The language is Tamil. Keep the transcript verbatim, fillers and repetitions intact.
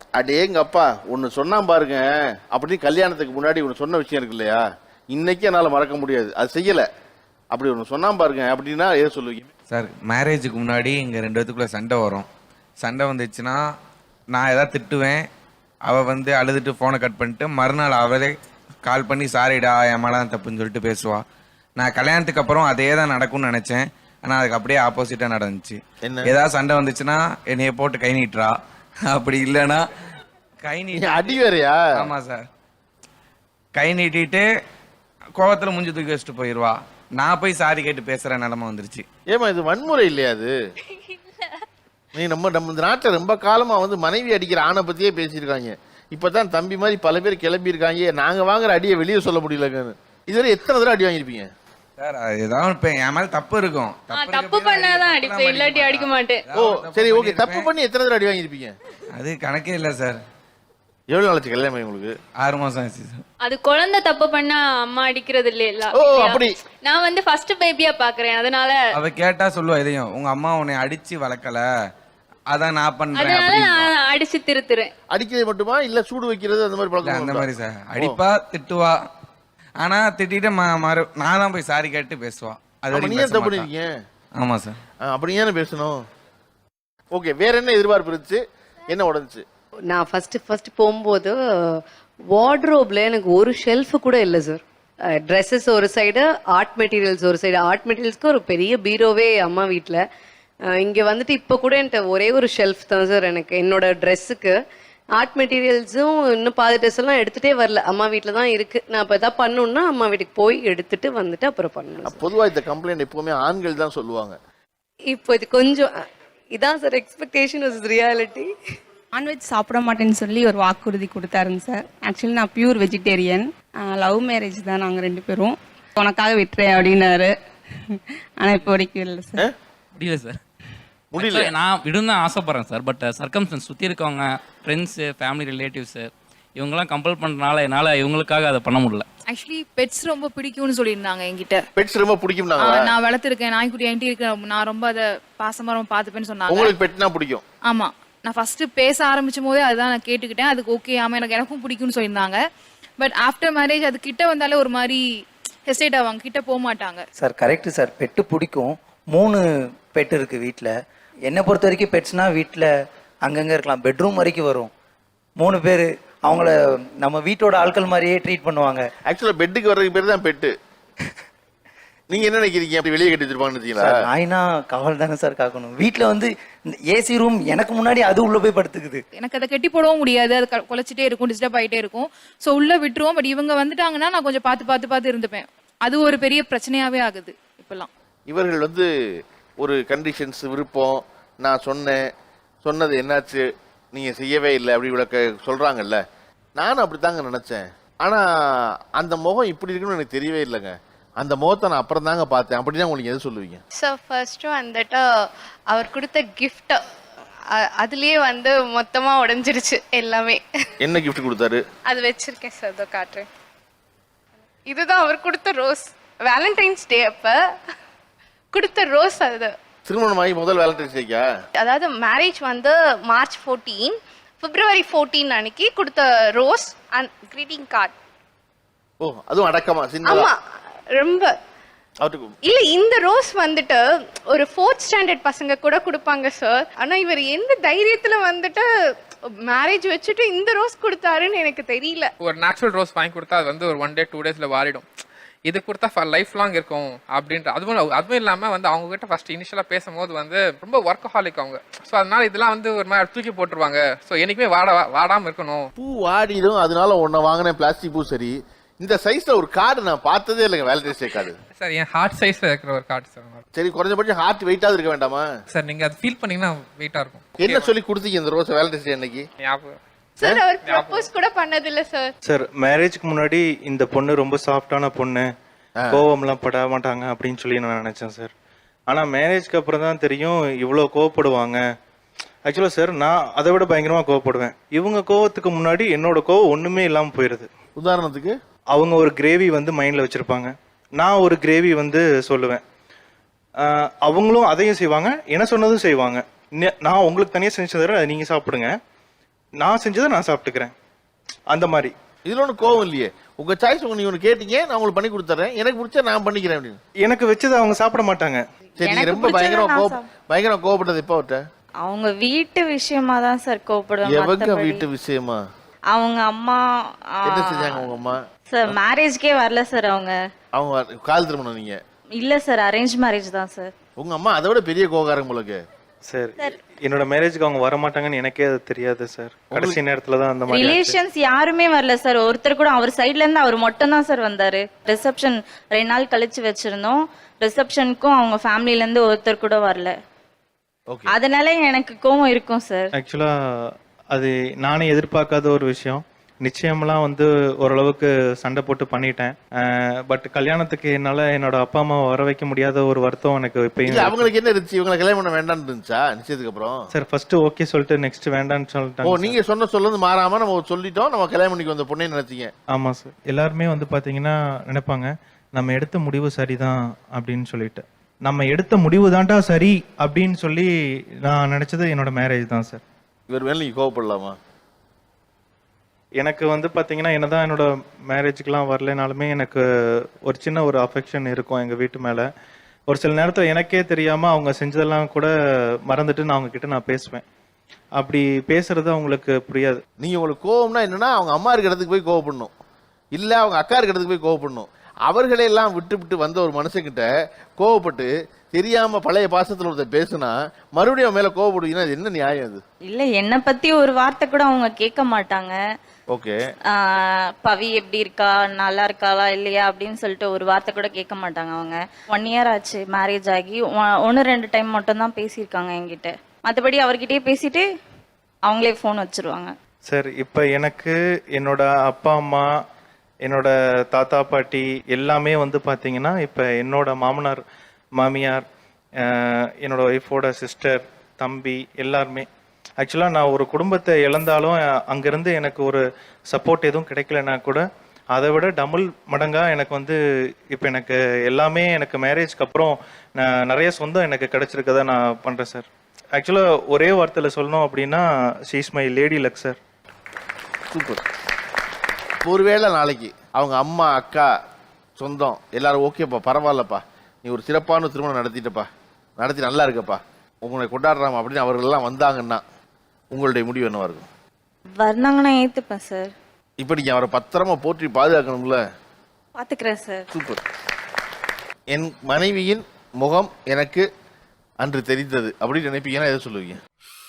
அடே எங்க அப்பா ஒன்னு சொன்னா பாருங்க, அப்படி கல்யாணத்துக்கு முன்னாடி ஒன்னு சொன்ன விஷயம் இருக்கு இல்லையா, இன்னைக்கு என்னால மறக்க முடியாது. அது செய்யல, அப்படி ஒன்னு சொன்னா பாருங்க. அப்படின்னா எதை சொல்லுவீங்க சார்? மேரேஜுக்கு முன்னாடி எங்க ரெண்டு பேத்துக்குள்ள சண்டை வரும். சண்டை வந்துச்சுன்னா நான் ஏதாவது திட்டுவேன், அவள் வந்து அழுதுட்டு ஃபோனை கட் பண்ணிட்டு மறுநாள் அவளே கால் பண்ணி சாரிடா என் மேலே தான் தப்புன்னு சொல்லிட்டு பேசுவாள். நான் கல்யாணத்துக்கு அப்புறம் அதே தான் நடக்கும்னு நினச்சேன், ஆனால் அதுக்கு அப்படியே ஆப்போசிட்டாக நடந்துச்சு. ஏதாவது சண்டை வந்துச்சுன்னா என்னைய போட்டு கை நீட்டுறா, அப்படி இல்லைன்னா கை நீட்டி அடி வேறையா? ஆமாம் சார், கை நீட்டிட்டு கோவத்தில் முஞ்சி தூக்கி வச்சுட்டு போயிடுவா. நான் போய் சாரி கேட்டு பேசுகிற நிலமை வந்துருச்சு. ஏமா இது வன்முறை இல்லையா? அது நீ நம்ம நம்ம இந்த நாட்டில் ரொம்ப காலமா வந்து மனைவி அடிக்கிற ஆணை பத்தியே பேசியிருக்காங்க. இப்பதான் தம்பி மாதிரி பல பேர் கிளம்பி இருக்காங்க, நாங்க வாங்குற அடியை வெளியே சொல்ல முடியலங்கன்னு. இதுவரை எத்தனை தடவை அடி வாங்கியிருப்பீங்க சார்? ஏதாவது இப்ப என் மேல தப்பு இருக்கும், தப்பு பண்ணாதான் அடிப்பேன், இல்லாட்டி அடிக்க மாட்டேன். ஓ சரி, ஓகே. தப்பு பண்ணி எத்தனை தடவை அடி வாங்கியிருப்பீங்க? அது கணக்கே இல்லை சார். எவ்வளவு நாளைக்கு கல்யாணம் உங்களுக்கு? ஆறு மாசம் ஆச்சு சார். அது குழந்தை தப்பு பண்ணா அம்மா அடிக்கிறது இல்ல. ஓ அப்படி. நான் வந்து ஃபர்ஸ்ட் பேபியா பாக்குறேன், அதனால அவ கேட்டா சொல்லுவா இதையும், உங்க அம்மா உன்னை அடிச்சு வளர்க்கல, அதான் நான் பண்றேன், அதனால நான் அடிச்சு திருத்துறேன். அடிக்கிறது மட்டுமா இல்ல சூடு வைக்கிறது அந்த மாதிரி பழக்கம்? அந்த மாதிரி சார், அடிப்பா திட்டுவா, ஆனா திட்டிட்டு மறு நான் தான் போய் சாரி கேட்டு பேசுவா. அது நீங்க தப்பு பண்ணிருக்கீங்க. ஆமா சார். அப்படி ஏன் பேசணும்? ஓகே, வேற என்ன எதிர்பார்ப்பு இருந்துச்சு, என்ன உடஞ்சுச்சு? நான் ஃபர்ஸ்ட் ஃபர்ஸ்ட் போகும்போது வார்ட்ரோப்ல எனக்கு ஒரு ஷெல்ஃப் கூட இல்லை சார். ட்ரெஸ்ஸஸ் ஒரு சைடு, ஆர்ட் மெட்டீரியல்ஸ் ஒரு சைடு. ஆர்ட் மெட்டீரியல்ஸ்க்கு ஒரு பெரிய பீரோவே அம்மா வீட்டில். இங்கே வந்துட்டு இப்போ கூட என்கிட்ட ஒரே ஒரு ஷெல்ஃப் தான் சார் எனக்கு என்னோட ட்ரெஸ்ஸுக்கு. ஆர்ட் மெட்டீரியல்ஸும் இன்னும் பாதி ட்ரெஸ் எல்லாம் எடுத்துகிட்டே வரல, அம்மா வீட்டில் தான் இருக்குது. நான் இப்போ எதாவது பண்ணணுன்னா அம்மா வீட்டுக்கு போய் எடுத்துட்டு வந்துட்டு அப்புறம் பண்ணணும். பொதுவாக இந்த கம்ப்ளைண்ட் எப்பவுமே ஆண்கள் தான் சொல்லுவாங்க. இப்போ இது கொஞ்சம் இதான் sir expectation is reality. Non veg சாப்பிட மாட்டேன்னு சொல்லி ஒரு வாக்குறுதி கொடுத்தாருங்க சார். ஆக்சுவலி நான் பியூர் வெஜிடேரியன். லவ் மேரேஜ் தான் நாங்கள் ரெண்டு பேரும். உனக்காக விட்டுறேன் அப்படின்னாரு, ஆனால் இப்போ வரைக்கும் இல்லை சார். முடியல சார், முடியல. நான் விடும் தான் ஆசைப்பட்றேன் சார். பட் சர்க்கம்ஸ்டன்ஸ் சுற்றி இருக்கவங்க, ஃப்ரெண்ட்ஸு, ஃபேமிலி ரிலேட்டிவ்ஸு இவங்கெல்லாம் கம்பல் பண்ணுறதுனால என்னால் இவங்களுக்காக அதை பண்ண முடியல. ஆக்சுவலி பெட்ஸ் ரொம்ப பிடிக்கும்னு சொல்லியிருந்தாங்க என்கிட்ட. பெட்ஸ் ரொம்ப பிடிக்கும். நான் வளர்த்துருக்கேன், நாய்க்குட்டி என்கிட்ட இருக்கேன், நான் ரொம்ப அதை பாசமாக ரொம்ப பார்த்துப்பேன்னு சொன்னாங்க. உங்களுக்கு பெட்னா பிடிக்கும்? ஆமாம், நான் ஃபர்ஸ்ட் பேச ஆரம்பிச்சும் போதே அதுதான் நான் கேட்டுக்கிட்டேன். அதுக்கு ஓகே, ஆமாம் எனக்கு எனக்கும் பிடிக்கும்னு சொல்லியிருந்தாங்க. பட் ஆஃப்டர் மேரேஜ் அது கிட்ட வந்தாலே ஒரு மாதிரி ஹெசிடேட் ஆவாங்க, கிட்ட போக மாட்டாங்க. சார் கரெக்டு சார், பெட்டு பிடிக்கும். மூணு பெட் இருக்குது வீட்டில். என்னை பொறுத்த வரைக்கும் பெட்ஸ்னா வீட்டில் அங்கங்கே இருக்கலாம், பெட்ரூம் வரைக்கும் வரும். மூணு பேர் அவங்கள நம்ம வீட்டோட ஆட்கள் மாதிரியே ட்ரீட் பண்ணுவாங்க. ஆக்சுவலாக பெட்டுக்கு வர்றதுக்கு பேர் தான் பெட்டு. நீங்க என்ன நினைக்கிறீங்க? அப்படி வெளியே கட்டி வச்சிருப்பாங்கன்னு? நாய்னா காவல் தானே சார் காக்கணும். வீட்டில் வந்து ஏசி ரூம் எனக்கு முன்னாடி அது உள்ள போய் படுத்துக்குது. எனக்கு அதை கட்டி போடவும் முடியாது, அது குலைச்சிட்டே இருக்கும், டிஸ்டர்ப் ஆகிட்டே இருக்கும். ஸோ உள்ள விட்டுருவோம். பட் இவங்க வந்துட்டாங்கன்னா நான் கொஞ்சம் பார்த்து பார்த்து பார்த்து இருந்துப்பேன். அது ஒரு பெரிய பிரச்சனையாவே ஆகுது இப்பெல்லாம். இவர்கள் வந்து ஒரு கண்டிஷன்ஸ், விருப்பம், நான் சொன்னேன், சொன்னது என்னாச்சு, நீங்க செய்யவே இல்லை அப்படி விளக்க சொல்றாங்கல்ல. நானும் அப்படித்தாங்க நினைச்சேன். ஆனா அந்த முகம் இப்படி இருக்குன்னு எனக்கு தெரியவே இல்லைங்க. அந்த முகத்தை நான் அப்புறம் தாங்க பார்த்தேன். அப்படின்னா உங்களுக்கு எது சொல்லுவீங்க? ஸோ ஃபர்ஸ்ட் வந்துட்டு அவர் கொடுத்த கிஃப்ட், அதுலயே வந்து மொத்தமா உடைஞ்சிருச்சு எல்லாமே. என்ன கிஃப்ட் கொடுத்தாரு? அது வச்சிருக்கேன் சார், இதோ காட்டுறேன். இதுதான் அவர் கொடுத்த ரோஸ். வேலண்டைன்ஸ் டே அப்ப கொடுத்த ரோஸ். அது திருமணமாகி முதல் வேலண்டைன்ஸ் டேக்கா? அதாவது மேரேஜ் வந்து மார்ச் ஃபோர்டீன், பிப்ரவரி ஃபோர்டீன் அன்னைக்கு கொடுத்த ரோஸ் அண்ட் கிரீட்டிங் கார்டு. ஓ அதுவும் அடக்கமா? ஆமா, ரொம்ப இல்ல. இந்த ரோஸ் வந்துட்டு ஒரு ஃபோர்த் ஸ்டாண்டர்ட் பசங்க கூட கொடுப்பாங்க சார். ஆனா இவர் எந்த தைரியத்துல வந்துட்டு மேரேஜ் வச்சுட்டு இந்த ரோஸ் கொடுத்தாருன்னு எனக்கு தெரியல. ஒரு நேச்சுரல் ரோஸ் வாங்கி கொடுத்தா அது வந்து ஒரு ஒன் டே டூ டேஸ்ல வாரிடும். இது கொடுத்தா ஃபார் லைஃப் லாங் இருக்கும் அப்படின்ற. அதுவும் அதுவும் இல்லாமல் வந்து அவங்க கிட்ட ஃபர்ஸ்ட் இனிஷியலாக பேசும்போது வந்து ரொம்ப ஒர்க்கஹாலிக் அவங்க. ஸோ அதனால இதெல்லாம் வந்து ஒரு மாதிரி தூக்கி போட்டுருவாங்க. ஸோ என்னைக்குமே வாட வாடாமல் இருக்கணும். பூ வாடிடும், அதனால ஒன்றை வாங்கினேன் பிளாஸ்டிக் பூ. சரி, இந்த சைஸ்ல ஒரு கார்டு நான் பார்த்ததே இல்லைங்க, வேலண்டைன்ஸ் டே கார்டு. சார் என் ஹார்ட் சைஸ்ல இருக்கிற ஒரு கார்டு சார். சரி, குறைஞ்சபட்சம் ஹார்ட் வெயிட்டாவது இருக்க வேண்டாமா சார்? நீங்க அதை ஃபீல் பண்ணீங்கன்னா வெயிட்டா இருக்கும். என்ன சொல்லி கொடுத்தீங்க இந்த ரோஸ் வேலண்டைன்ஸ் டே அன்னைக்கு? ஞாபகம் சார் அவர் ப்ரப்போஸ் கூட பண்ணதில்லை சார். சார் மேரேஜ்க்கு முன்னாடி இந்த பொண்ணு ரொம்ப சாஃப்டான பொண்ணு, கோவம்லாம் பட மாட்டாங்க அப்படின்னு சொல்லி நான் நினைச்சேன் சார். ஆனா மேரேஜ்க்கு அப்புறம் தான் தெரியும் இவ்வளோ கோவப்படுவாங்க. ஆக்சுவலாக சார் நான் அதை விட பயங்கரமாக கோவப்படுவேன். இவங்க கோவத்துக்கு முன்னாடி என்னோட கோவம் ஒன்றுமே இல்லாமல் போயிடுது. உதாரணத்துக்கு அவங்க ஒரு கிரேவி வந்து மைண்டில் வச்சுருப்பாங்க, நான் ஒரு கிரேவி வந்து சொல்லுவேன், அவங்களும் அதையும் செய்வாங்க, என்ன சொன்னதும் செய்வாங்க. நான் உங்களுக்கு தனியாக செஞ்சு தர அதை நீங்கள் சாப்பிடுங்க, நான் செஞ்சதை நான் சாப்பிட்டுக்கிறேன் அந்த மாதிரி. இதுல ஒன்றும் கோவம் இல்லையே. உங்க சாய்ஸ் உங்க நீங்க ஒன்று கேட்டீங்க, நான் உங்களுக்கு பண்ணி கொடுத்துறேன், எனக்கு பிடிச்சா நான் பண்ணிக்கிறேன் அப்படின்னு. எனக்கு வச்சதை அவங்க சாப்பிட மாட்டாங்க. சரி, நீங்க ரொம்ப பயங்கரமா கோப பயங்கரமா கோபப்பட்டது எப்போ அவட்ட? அவங்க வீட்டு விஷயமா தான் சார் கோபப்படுவாங்க. எவங்க வீட்டு விஷயமா? அவங்க அம்மா என்ன செஞ்சாங்க உங்க அம்மா? சார் மேரேஜ்க்கே வரல சார் அவங்க. அவங்க கால் திருமணம் நீங்க? இல்ல சார், அரேஞ்ச் மேரேஜ் தான் சார். உங்க அம்மா அதை விட பெரிய கோகாரம் உங்களுக்கு. சார் என்னோட மேரேஜ்க்கு அவங்க வர மாட்டாங்கன்னு எனக்கே அது தெரியாது சார். கடைசி நேரத்துல தான் அந்த மாதிரி. ரிலேஷன்ஸ் யாருமே வரல சார். ஒருத்தர் கூட அவர் சைடுல இருந்து அவர் மட்டும் தான் சார் வந்தாரு. ரிசப்ஷன் ரெண்டு நாள் கழிச்சு வச்சிருந்தோம். ரிசப்ஷனுக்கும் அவங்க ஃபேமிலில இருந்து ஒருத்தர் கூட வரல. அதனால எனக்கு கோவம் இருக்கும் சார். ஆக்சுவலா அது நானே எதிர்பார்க்காத ஒரு விஷயம். நிச்சயமெல்லாம் வந்து ஓரளவுக்கு சண்டை போட்டு பண்ணிட்டேன். பட் கல்யாணத்துக்கு என்னால என்னோட அப்பா அம்மா வர வைக்க முடியாத ஒரு வருத்தம் எனக்கு இப்பயும். அவங்களுக்கு என்ன இருந்துச்சு? இவங்களை கல்யாணம் பண்ண வேண்டாம்னு இருந்துச்சா நிச்சயத்துக்கு அப்புறம்? சார் ஃபர்ஸ்ட் ஓகே சொல்லிட்டு நெக்ஸ்ட் வேண்டாம்னு சொல்லிட்டாங்க. ஓ, நீங்க சொன்ன சொல்ல மாறாம நம்ம சொல்லிட்டோம், நம்ம கல்யாணம் பண்ணிக்கு வந்த பொண்ணே நினைச்சீங்க? ஆமா சார். எல்லாருமே வந்து பாத்தீங்கன்னா நினைப்பாங்க நம்ம எடுத்த முடிவு சரிதான் அப்படின்னு சொல்லிட்டு. நம்ம எடுத்த முடிவு தான்டா சரி அப்படின்னு சொல்லி நான் நினைச்சது என்னோட மேரேஜ் தான் சார். இவர் மேல நீங்க கோவப்படலாமா? எனக்கு வந்து பார்த்தீங்கன்னா என்னதான் என்னோட மேரேஜுக்கெலாம் வரலைனாலுமே எனக்கு ஒரு சின்ன ஒரு அஃபெக்ஷன் இருக்கும் எங்கள் வீட்டு மேலே. ஒரு சில நேரத்தில் எனக்கே தெரியாமல் அவங்க செஞ்சதெல்லாம் கூட மறந்துட்டு நான் அவங்க கிட்ட நான் பேசுவேன். அப்படி பேசுறது அவங்களுக்கு புரியாது. நீங்கள் உங்களுக்கு கோவம்னா என்னன்னா அவங்க அம்மா இருக்கிற இடத்துக்கு போய் கோவப்படணும், இல்லை அவங்க அக்கா இருக்கிற இடத்துக்கு போய் கோவப்படணும். அவர்களையெல்லாம் விட்டு விட்டு வந்த ஒரு மனுஷங்கிட்ட கோவப்பட்டு தெரியாம பழைய பாசத்துல ஒருத்தர் பேசுனா மறுபடியும் அவன் மேல கோவப்படுவீங்கன்னா அது என்ன நியாயம்? அது இல்ல, என்னை பத்தி ஒரு வார்த்தை கூட அவங்க கேட்க மாட்டாங்க. ஓகே, பவி எப்படி இருக்கா, நல்லா இருக்காளா இல்லையா அப்படின்னு சொல்லிட்டு ஒரு வார்த்தை கூட கேட்க மாட்டாங்க. அவங்க ஒன் இயர் ஆச்சு மேரேஜ் ஆகி, ஒன்று ரெண்டு டைம் மட்டும் தான் பேசியிருக்காங்க என்கிட்ட. மற்றபடி அவர்கிட்டயே பேசிட்டு அவங்களே ஃபோன் வச்சிருவாங்க. சார் இப்போ எனக்கு என்னோட அப்பா அம்மா, என்னோட தாத்தா பாட்டி எல்லாமே வந்து பார்த்தீங்கன்னா இப்போ என்னோட மாமனார் மாமியார், என்னோட ஒய்ஃபோட சிஸ்டர், தம்பி எல்லாருமே. ஆக்சுவலாக நான் ஒரு குடும்பத்தை இழந்தாலும் அங்கேருந்து எனக்கு ஒரு சப்போர்ட் எதுவும் கிடைக்கலன்னா கூட அதை விட டபுள் மடங்காக எனக்கு வந்து இப்போ எனக்கு எல்லாமே எனக்கு மேரேஜ்க்கு அப்புறம் நான் நிறைய சொந்தம் எனக்கு கிடைச்சிருக்கதா நான் பண்ணுறேன் சார். ஆக்சுவலாக ஒரே வார்த்தையில் சொல்லணும் அப்படின்னா she is my lady luck sir. Super. ஒருவேளை நாளைக்கு அவங்க அம்மா அக்கா சொந்தம் எல்லாரும் ஓகேப்பா, பரவாயில்லப்பா, நீ ஒரு சிறப்பான திருமணம் நடத்திட்டப்பா, நடத்தி நல்லா இருக்கப்பா, உங்களை கொண்டாடுறாம அப்படின்னு அவர்கள்லாம் வந்தாங்கன்னா உங்களுடைய முடிவு என்னவா இருக்கும்? வர்ணாங்கன்னா ஏத்துப்பேன் சார். இப்போ நீங்க அவரை பத்திரமா போற்றி பாதுகாக்கணும்ல? பாத்துக்கிறேன் சார். சூப்பர். என் மனைவியின் முகம் எனக்கு அன்று தெரிந்தது அப்படின்னு நினைப்பீங்கன்னா எதை சொல்லுவீங்க?